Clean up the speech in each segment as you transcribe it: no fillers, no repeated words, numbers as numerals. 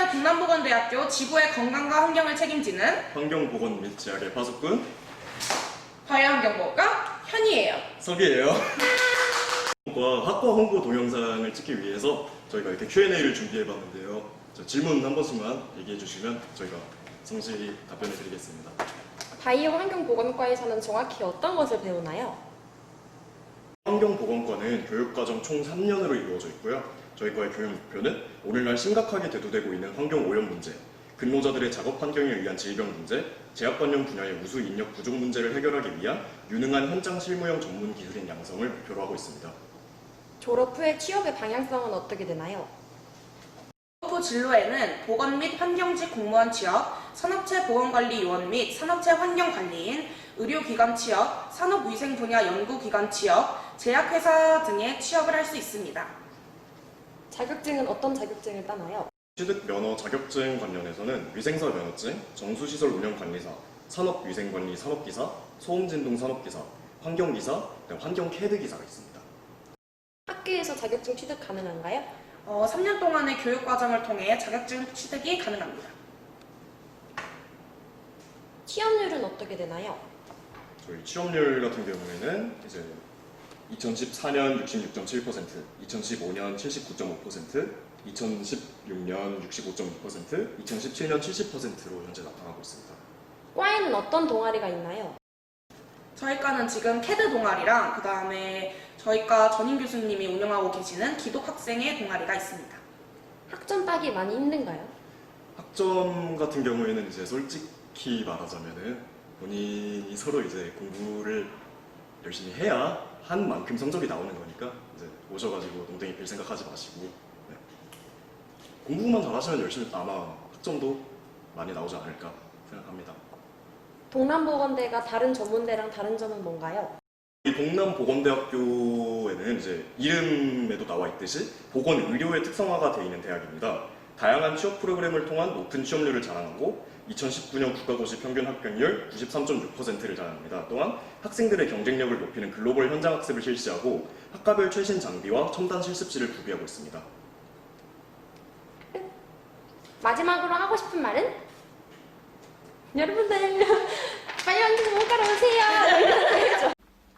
동남보건대학교 지구의 건강과 환경을 책임지는 환경보건 및 제약의 파수꾼 바이오환경보호과 현이에요. 석이에요. 학과 홍보 동영상을 찍기 위해서 저희가 이렇게 Q&A를 준비해봤는데요. 질문 한 번씩만 얘기해 주시면 저희가 성실히 답변해 드리겠습니다. 바이오 환경보건과에서는 정확히 어떤 것을 배우나요? 환경보건과는 교육과정 총 3년으로 이루어져 있고요. 저희 과의 교육 목표는 오늘날 심각하게 대두되고 있는 환경오염 문제, 근로자들의 작업 환경에 의한 질병 문제, 제약 관련 분야의 우수 인력 부족 문제를 해결하기 위한 유능한 현장 실무형 전문 기술인 양성을 목표로 하고 있습니다. 졸업 후에 취업의 방향성은 어떻게 되나요? 후 진로에는 보건 및 환경직 공무원 취업, 산업체 보건관리 요원 및 산업체 환경관리인, 의료기관 취업, 산업위생 분야 연구기관 취업, 제약회사 등의 취업을 할 수 있습니다. 자격증은 어떤 자격증을 따나요? 취득 면허 자격증 관련해서는 위생사 면허증, 정수시설 운영관리사, 산업위생관리 산업기사, 소음진동 산업기사, 환경기사, 환경 캐드기사가 있습니다. 학교에서 자격증 취득 가능한가요? 3년 동안의 교육과정을 통해 자격증 취득이 가능합니다. 취업률은 어떻게 되나요? 저희 취업률 같은 경우에는 이제 2014년 66.7%, 2015년 79.5%, 2016년 65.2%, 2017년 70%로 현재 나타나고 있습니다. 과에는 어떤 동아리가 있나요? 저희과는 지금 캐드 동아리랑 그 다음에 저희과 전임 교수님이 운영하고 계시는 기독학생의 동아리가 있습니다. 학점 따기 많이 힘든가요? 학점 같은 경우에는 이제 솔직히 말하자면은 본인이 서로 이제 공부를 열심히 해야 한 만큼 성적이 나오는 거니까 이제 오셔가지고 농땡이 빌 생각하지 마시고 네. 공부만 잘하시면 열심히 아마 학점도 많이 나오지 않을까 생각합니다. 동남보건대가 다른 전문대랑 다른 점은 뭔가요? 이 동남보건대학교에는 이제 이름에도 나와 있듯이 보건의료의 특성화가 되어 있는 대학입니다. 다양한 취업 프로그램을 통한 높은 취업률을 자랑하고 2019년 국가고시 평균 합격률 93.6%를 자랑합니다. 또한 학생들의 경쟁력을 높이는 글로벌 현장 학습을 실시하고 학과별 최신 장비와 첨단 실습실을 구비하고 있습니다. 마지막으로 하고 싶은 말은? 여러분들 바이오환경보건과로 오세요!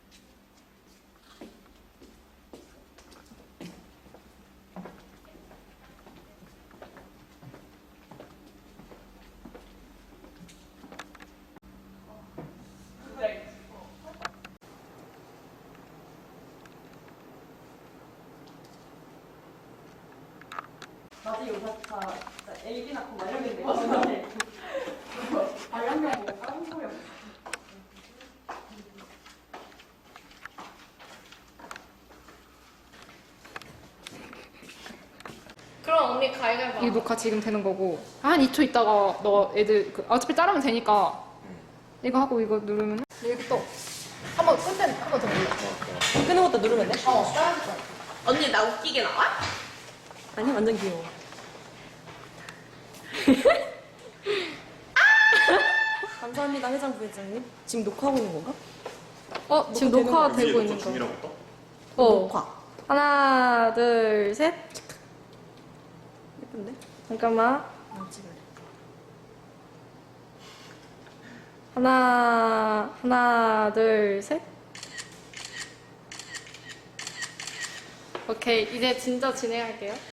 나중에 요사 다 진짜 애기 낳고 막 이러는데 발연명 보고 까는 소리 없어. 그럼 언니 가위바위보. 이 녹화 지금 되는 거고 한 2초 있다가 너 애들 어차피 자르면 되니까 이거 하고 이거 누르면 이렇게 또 한번 끝내 한번 더 눌러. 끄는 것도 누르면 돼? 따라줄 거야. 언니 나 웃기게 나와? 아니 완전 귀여워. 감사합니다 회장 부회장님. 지금 녹화하고 있는 건가? 지금 녹화되는 녹화 거 되고 위에 있는 거 중이라고 떠? 녹화. 하나 둘 셋 예쁜데? 잠깐만 안 찍을래. 하나 둘 셋 오케이 이제 진짜 진행할게요.